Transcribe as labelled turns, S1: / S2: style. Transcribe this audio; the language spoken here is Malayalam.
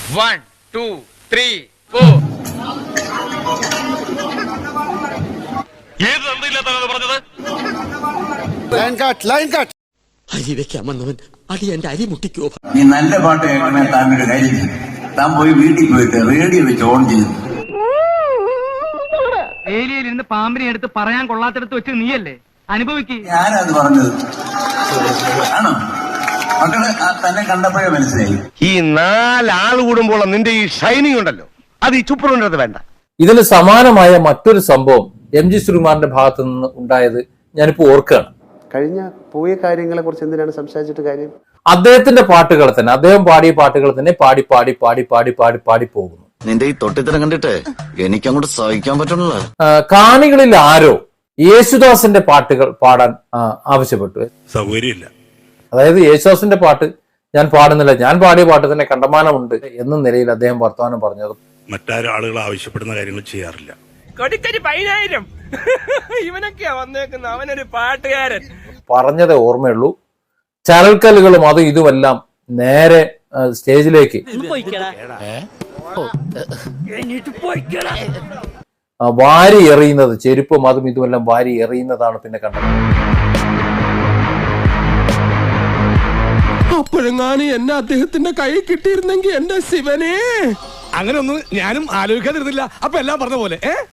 S1: 1, 2, 3, 4.
S2: ഏത് തന്തയില്ലാത്തതാണ് പറഞ്ഞത്?
S3: Line cut.
S4: അരി വെക്കാൻ വന്നവൻ അടി എന്റെ അരി മുട്ടിക്കോ.
S5: നീ നല്ല പാട്ട് കേൾക്കണേ താനൊരു കാര്യം ചെയ്യും. താൻ പോയി വീട്ടിൽ പോയിട്ട് റേഡിയോ വെച്ച് ഓൺ ചെയ്തു.
S6: ഏരിയയിലിരുന്ന് പാമ്പിനെ എടുത്ത് പറയാൻ കൊള്ളാത്തടത്ത് വെച്ച് നീയല്ലേ അനുഭവിക്ക്.
S5: ഞാനത് പറഞ്ഞത് ആണോ? മക്കള് തന്നെ കണ്ടപ്പോഴേ മനസ്സിലായി.
S2: ഈ 4 ആൾ കൂടുമ്പോൾ നിന്റെ ഈ ഷൈനിങ് ഉണ്ടല്ലോ, അത് ഈ ചുപ്പറിന്റെ വേണ്ട.
S7: ഇതിന് സമാനമായ മറ്റൊരു സംഭവം എം ജി ശ്രീകുമാറിന്റെ ഭാഗത്തു നിന്ന് ഉണ്ടായത് ഞാനിപ്പോ ഓർക്കുകയാണ്.
S3: കഴിഞ്ഞ പോയ കാര്യങ്ങളെ കുറിച്ച് എന്തിനാണ് സംസാരിച്ചിട്ട് കാര്യം?
S7: അദ്ദേഹത്തിന്റെ പാട്ടുകൾ തന്നെ, അദ്ദേഹം പാടിയ പാട്ടുകൾ തന്നെ പാടി പാടി പാടി പാടി പാടി പാടി പോകുന്നു.
S8: നിന്റെ ഈ തൊട്ടിത്തരം കണ്ടിട്ട് എനിക്കങ്ങോട്ട് സഹിക്കാൻ പറ്റണല്ലോ.
S7: കാണികളിൽ ആരോ യേശുദാസിന്റെ പാട്ടുകൾ പാടാൻ ആവശ്യപ്പെട്ടു.
S2: സൗകര്യമില്ല.
S7: അതായത് യേശുദാസിന്റെ പാട്ട് ഞാൻ പാടുന്നില്ല, ഞാൻ പാടിയ പാട്ട് തന്നെ കണ്ടമാനമുണ്ട് എന്ന നിലയിൽ അദ്ദേഹം വർത്തമാനം പറഞ്ഞത്.
S2: മറ്റാരും ആളുകൾ ആവശ്യപ്പെടുന്ന കാര്യങ്ങൾ ചെയ്യാറില്ല.
S6: കൊടിക്കരി 10,000 ഇവനൊക്കെയാ വന്നേക്കുന്ന, അവനൊരു പാട്ടുകാരൻ.
S7: പറഞ്ഞതേ ഓർമ്മയുള്ളൂ. ചരൽക്കല്ലുകളും അതും ഇതുമെല്ലാം നേരെ സ്റ്റേജിലേക്ക് വാരി എറിയുന്നത്, ചെരുപ്പും അതും ഇതുമെല്ലാം വാരി എറിയുന്നതാണ് പിന്നെ കണ്ടത്.
S4: അപ്പോഴെങ്ങാനും എന്നെ അദ്ദേഹത്തിന്റെ കൈ കിട്ടിയിരുന്നെങ്കിൽ എന്റെ ശിവനെ.
S2: അങ്ങനെ ഒന്നും ഞാനും ആലോചിക്കാതിരുന്നില്ല. അപ്പൊ എല്ലാം പറഞ്ഞ പോലെ